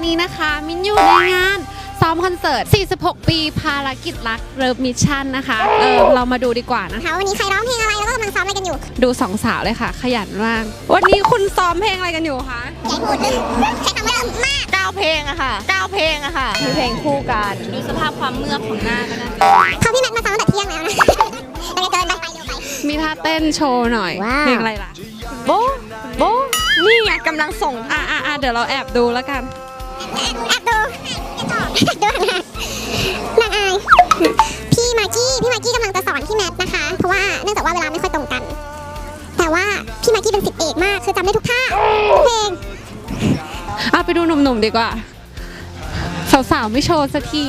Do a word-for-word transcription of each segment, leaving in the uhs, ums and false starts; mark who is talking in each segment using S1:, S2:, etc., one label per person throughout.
S1: นี้นะคะมิ้นอยู่ในงานซ้อมคอนเสิร์ตสี่สิบหกปีภารกิจรักเลิฟมิชชั่นนะคะเออเรามาดูดีกว่านะคะ
S2: วันนี้ใครร้องเพลงอะไรแล้วก็กำลังซ้อมอะไรกันอยู่
S1: ดูสองสาวเลยค่ะขยันมากวันนี้คุณซ้อมเพลงอะไรกันอยู่คะ
S2: ใหญ่พูดใช้คำว่าเริ่มมาก
S3: เก้าเพลงอะค่ะเก้าเพลงอะค่ะ
S1: มีเพลงคู่กันดูสภาพความเมือกของหน้าก็ได้
S2: เขาพี่แมทมาซ้อมตั้งแต่เที่ยงแล้วนะยังเกินไปไปเร็วไป
S1: มีท่าเต้นโชว์หน่อยเพลงอะไรล่ะ
S3: โบโบนี่ไงกำลังส่ง
S1: อ่ะอ่ะอ่ะเดี๋ยวเราแอบดูแล้วกัน
S2: แอบดูแอบดูนางอายพี่มากกี้พี่มากกี้กำลังจะสอนพี่แมทนะคะเพราะว่าเนื่องจากว่าเวลาไม่ค่อยตรงกันแต่ว่าพี่มากกี้เป็นศิษย์เอกมากคือจำได้ทุกท่าทุกเพลง
S1: อ่ะไปดูหนุ่มๆดีกว่าสาวๆไม่โชว์สักที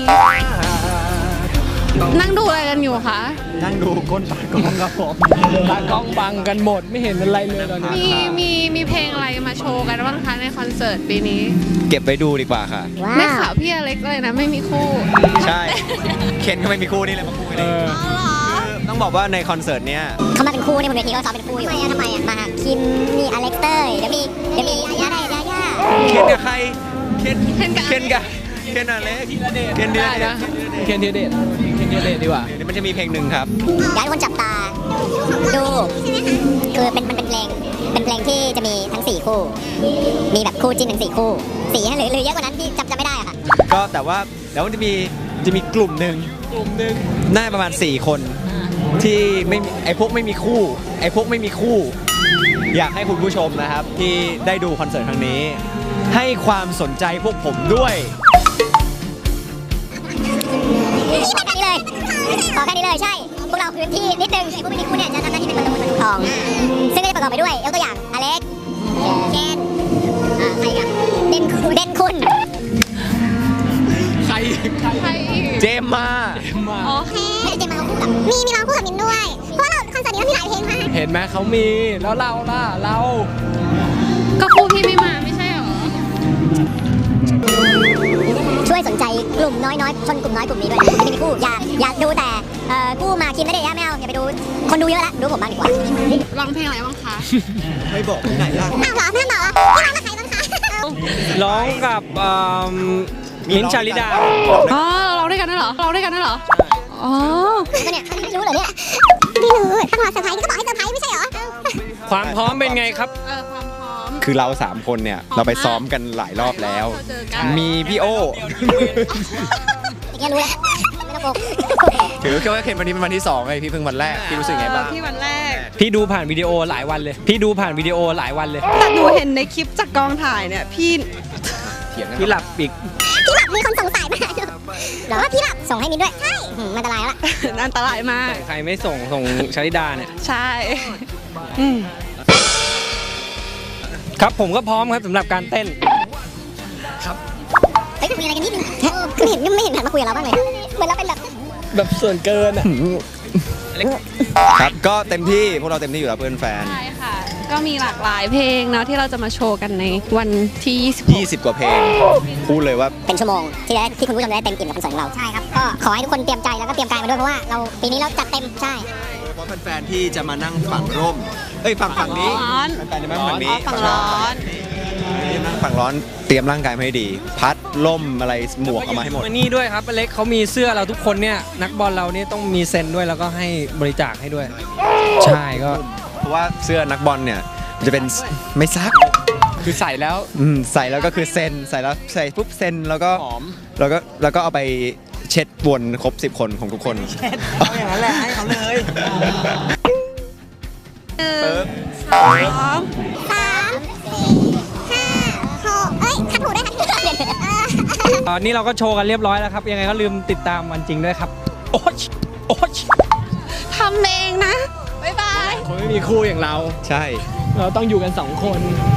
S1: นั่งดูอะไรกันอยู่คะ
S4: นั่งดูก้นตากล้องครับผมตากล้องบังกันหมดไม่เห็นอะไรเลยตอนนี้
S1: มีมีมีเพลงอะไรมาโชว์กันบ้างคะในคอนเสิร์ตปีนี้
S4: เก็บไว้ดูดีกว่าค่ะ
S1: ได้ข่าวพี่อเล็กเลยนะไม่มีคู่
S4: ใช่เคนก็ไม่มีคู่นี่เลยมาคู่กันเองต้องบอกว่าในคอนเสิร์ตเนี้ย
S2: เขามาเป็นคู่ในบนเวทีก็ซ้อมเป็นคู่อยู่ทำไมอ่ะทำไมอ่ะมาคิมมีอเล็กเตอร์เดี๋ยวมีเดี๋ยวมียาได้ยาย่า
S4: เคนกับใครเคนเคนกับเคนกับเคนอะไรเคนเดียดนะเคนเดียดเคนเดียดดีกว่าเดี๋ยวมันจะมีเพลงหนึ่งครับ
S2: อยากให้คนจับตาดูคือเป็นมันเป็นเพลงเป็นเพลงที่จะมีทั้งสี่คู่มีแบบคู่จิ้นทั้งสี่คู่สี่หรือหรือเยอะกว่านั้นที่จำจำไม่ได้อะค่ะ
S4: ก็แต่ว่าแล้วมันจะมีจะมีกลุ่มหนึ่งกลุ่มหนึ่งน่าประมาณสี่คนที่ไม่ไอพวกไม่มีคู่ไอพวกไม่มีคู่อยากให้คุณผู้ชมนะครับที่ได้ดูคอนเสิร์ตครั้งนี้ให้ความสนใจพวกผมด้วย
S2: แค่นี้เลยขอแค่นี้เลยใช่พวกเราพื้นที่นิดนึงไอ้พวกไม่มีคู่เนี่ยจะทำหน้าที่เป็นประตูประตูทองซึ่งก็จะประกอบไปด้วยยกตัวอย่างอเล็กเคนอ่าใครกันเด่นคุณเด่นคุณ
S4: ใครใครเจมมา
S1: โอเค
S2: ไม่ได้เจมมาคู่กับมีมีร้องคู่กับมินด้วยเพราะเราคอนเสิร์ตนี้มีหลายเพลงมาก
S4: เห็นไหมเขามีแล้วเราล่ะเรา
S1: ก็คู่พี่ไม่มาไม่ใช่หรอ
S2: ช่วยสนใจกลุ่มน้อยๆชนกลุ่มน้อยกลุ่มนี้ด้วยนะไม่มีคู่อย่าอย่าดูแต่คู่มาคิมไม่ได้ย่าไม่เอาอย่าไปดูคนดูเยอะละดูผมบ้างดีกว่า
S1: ร้องเพลงอะไรบ้างคะ
S4: ไม่บอกที่ไหนล่ะ
S2: อ้าวเหรอแม่บอกพี่ร้องกับใครบ้างคะ
S4: ร้องกับมิ้นท์ชาลิดา
S1: อ๋อร้องด้วยกันนั่นเหรอร้องด้วยกันนั่นเหรออ๋อ
S2: เนี่ยไม่รู้เหรอเนี่ยไม่รู้ต้องรอเซอร์ไพรส์ก็บอกให้เซอร์ไพรส์ไม่ใช่เหรอ
S4: ความพร้อมเป็นไงครับ
S1: เออความพร้อม
S4: คือเราสามคนเนี่ยเราไปซ้อมกันหลายรอบแล้วมีพี่โอ
S2: อย่างเงี้ยรู้แล้วไม่ต้องโกง
S4: ถือแค่ว่าเคนวันนี้เป็นวันที่สองไงพี่เพิ่งวันแรกพี่รู้สึกไงบ้าง
S1: พี่วันแรก
S4: พี่ดูผ่านวิดีโอหลายวันเลยพี่ดูผ่านวิดีโอหลายวันเลย
S1: แต่หนูเห็นในคลิปจากกองถ่ายเนี่ยพี่
S4: พี่หลับอีก
S2: พี่หลับมีคนสงสัยมาหรอว่าพี่หลับส่งให้มินด้วยใช่อันตรายแล้วล่ะ
S1: อันตรายมาก
S4: ใครไม่ส่งส่งชลิดาเนี่ย
S1: ใช่
S4: ครับผมก็พร้อมครับสำหรับการเต้นครับ
S2: เฮ้ยคุยอะไรกันนิดนึงคือเห็นไม่เห็นหันมาคุยกับเราบ้างเลยเหมือนเราเป็นแบบ
S4: แบบส่วนเกินอ่ะครับก็เต็มที่พวกเราเต็มที่อยู่แล้วเพื่อนแฟน
S1: ใช่ค่ะก็มีหลากหลายเพลงเนาะที่เราจะมาโชว์กันในวันที่ยี่สิบ
S4: ยี่สิบกว่าเพลงพูดเลยว่า
S2: เป็นชั่วโมงที่ได้ที่คุณผู้ชมได้เต็มอิ่มกับคอนเสิร์ตของเราใช่ครับก็ขอให้ทุกคนเตรียมใจแล้วก็เตรียมกายมาด้วยเพราะว่าเราปีนี้เราจัดเต็มใช่
S4: เพราะแฟนๆที่จะมานั่งฝั่งร่มเอ้ยฝั่งฝั่งนี้แฟนๆจะมาฝั่งนี้
S1: ฝั่งร้อน
S4: นั่งฝั่งร้อนเตรียมร่างกายให้ดีพัดล่มอะไรหมวกเอามาให้หมด
S5: นี่ด้วยครับอเล็กเขามีเสื้อเราทุกคนเนี่ยนักบอลเราเนี่ยต้องมีเซ็นด้วยแล้วก็ให้บริจาคให้ด้วยใช่ก็
S4: เพราะว่าเสื้อนักบอลเนี่ยจะเป็นไม่ซัก
S5: คือใส่แล้ว
S4: อืมใส่แล้วก็คือเซ็นใส่แล้วใส่ปุ๊บเซ็นแล้วก็หอมแล้วก็แล้วก็เอาไปเช็ดวนครบสิบคนของทุกคน
S5: เช็ดเอาอย่างนั้นแหละให้เขาเลย
S2: หนึ่งสองสามสี่ห้าหกเอ้ยขัดหูได้ค่ะ
S5: ตอนนี้เราก็โชว์กันเรียบร้อยแล้วครับยังไงก็ลืมติดตามวันจริงด้วยครับโอ๊ยโอ๊ย
S1: ทำเองนะบ๊ายบาย
S5: คนไม่มีคู่อย่างเรา
S4: ใช่
S5: เราต้องอยู่กันสองคน